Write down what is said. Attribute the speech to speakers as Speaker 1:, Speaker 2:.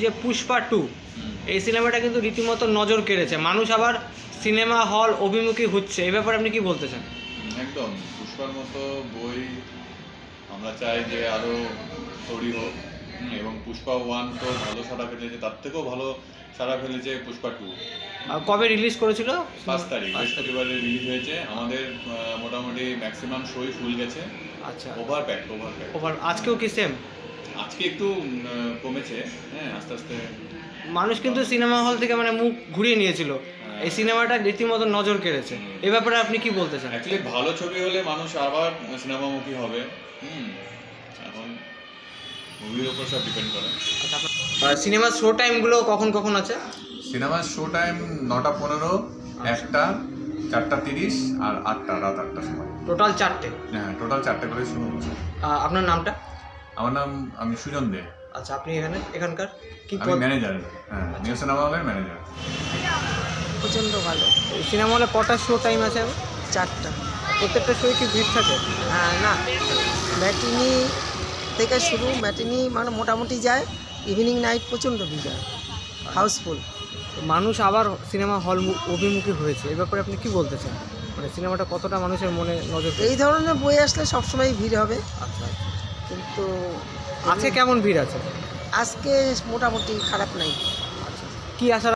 Speaker 1: যে পুষ্পা 2 এই সিনেমাটা কিন্তু রীতিমতো নজর কেড়েছে, মানুষ আবার সিনেমা হল অভিমুখী হচ্ছে, এই ব্যাপারে আপনি কি বলতে চান?
Speaker 2: একদম পুষ্পার মতো বই আমরা চাই যে আরো তৈরি হোক, এবং পুষ্পা 1 তো ভালো সাড়া ফেলেছে, তার থেকেও ভালো সাড়া ফেলেছে পুষ্পা 2।
Speaker 1: কবে রিলিজ করেছিল?
Speaker 2: 5 তারিখ বৃহস্পতিবারে রিলিজ হয়েছে। আমাদের মোটামুটি ম্যাক্সিমাম শোই ফুল গেছে।
Speaker 1: আচ্ছা,
Speaker 2: ওভার
Speaker 1: আজকেও কি সেম?
Speaker 2: আজকে একটু কমেছে, হ্যাঁ, আস্তে আস্তে
Speaker 1: মানুষ কিন্তু সিনেমা হল থেকে মানে মুখ ঘুরিয়ে নিয়েছিল, এই সিনেমাটা রীতিমতো নজর কেড়েছে, এই ব্যাপারে আপনি কি বলতে চান?
Speaker 2: অ্যাকচুয়ালি ভালো ছবি হলে মানুষ আবার সিনেমামুখী হবে। এখন মুভির উপর সব ডিপেন্ড করে।
Speaker 1: সিনেমার শো টাইমগুলো কখন কখন আছে?
Speaker 2: সিনেমার শো টাইম 9টা 15, 1টা, 4টা 30 আর 8টা, রাত 8টার সময়।
Speaker 1: টোটাল 4টে?
Speaker 2: হ্যাঁ, টোটাল 4টে করে শুরু হচ্ছে।
Speaker 1: আপনার নামটা?
Speaker 2: আমি সুজন দে।
Speaker 1: আচ্ছা, আপনি এখানকার কি
Speaker 2: আমি ম্যানেজার, হ্যাঁ, নিউ সিনেমা হলের ম্যানেজার।
Speaker 3: প্রচণ্ড ভালো।
Speaker 1: এই সিনেমা হলে কটা শো টাইম আছে?
Speaker 3: 4টা।
Speaker 1: প্রত্যেকটা শোয়ে কি ভিড় থাকে?
Speaker 3: না, ম্যাটিনি থেকে শুরু, ম্যাটিনি মানে মোটামুটি যায়, ইভিনিং নাইট প্রচণ্ড ভিড় হয়, হাউসফুল।
Speaker 1: মানুষ আবার সিনেমা হল অভিমুখী হয়েছে, এই ব্যাপারে আপনি কি বলতে চান? মানে সিনেমাটা কতটা মানুষের মনে নজর
Speaker 3: এই ধরনের বই আসলে সবসময় ভিড় হবে,
Speaker 1: আচ্ছা,
Speaker 3: কিন্তু
Speaker 1: আজকে কেমন ভিড় আছে?
Speaker 3: আজকে মোটামুটি খারাপ নাই।
Speaker 1: কি আশা